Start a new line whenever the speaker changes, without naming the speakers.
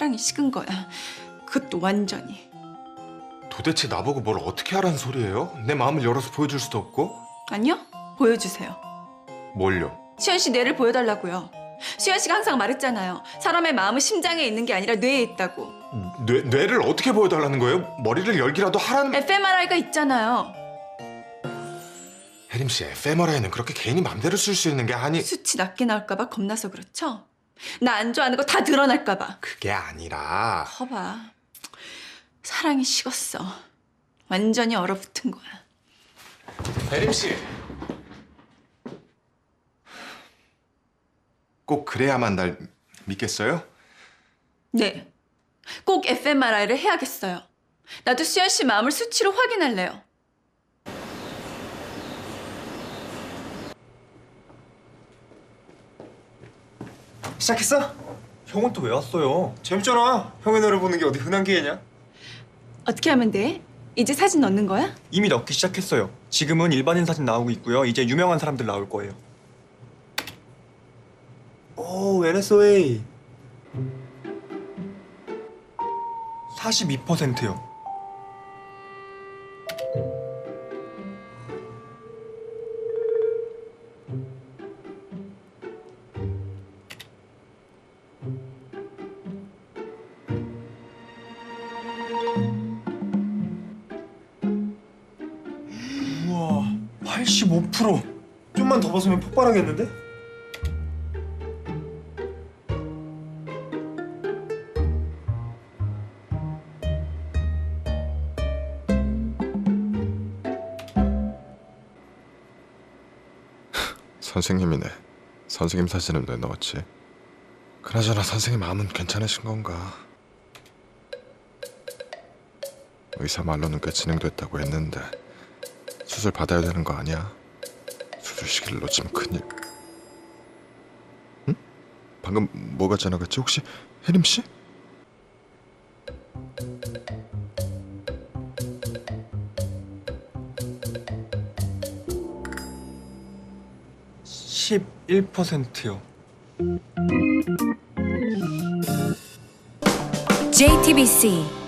사랑이 식은 거야. 그것도 완전히.
도대체 나보고 뭘 어떻게 하라는 소리예요? 내 마음을 열어서 보여줄 수도 없고.
아니요? 보여주세요.
뭘요?
수현 씨 뇌를 보여달라고요. 수현 씨가 항상 말했잖아요. 사람의 마음은 심장에 있는 게 아니라 뇌에 있다고.
뇌를 어떻게 보여달라는 거예요? 머리를 열기라도 하라는...
fMRI가 있잖아요.
혜림 씨, fMRI는 그렇게 개인이 맘대로 쓸 수 있는 게 아니...
수치 낮게 나올까 봐 겁나서 그렇죠? 나 안 좋아하는 거 다 드러날까 봐.
그게 아니라...
커봐. 사랑이 식었어. 완전히 얼어붙은 거야.
혜림 씨! 꼭 그래야만 날 믿겠어요?
네. 꼭 fMRI를 해야겠어요. 나도 수현 씨 마음을 수치로 확인할래요.
시작했어?
형은 또 왜 왔어요?
재밌잖아. 형의 노래 보는 게 어디 흔한 기회냐?
어떻게 하면 돼? 이제 사진 넣는 거야?
이미 넣기 시작했어요. 지금은 일반인 사진 나오고 있고요. 이제 유명한 사람들 나올 거예요.
오, NSOA.
42%요. 우와, 85%.
좀만 더 벗으면 폭발하겠는데?
선생님이네. 선생님 사진은 왜 넣었지? 그나저나 선생님 마음은 괜찮으신 건가? 의사 말로는 꽤 진행됐다고 했는데 수술 받아야 되는 거 아니야? 수술 시기를 놓치면 큰일. 응? 방금 뭐가 지나갔지? 혹시 혜림 씨?
%요.
JTBC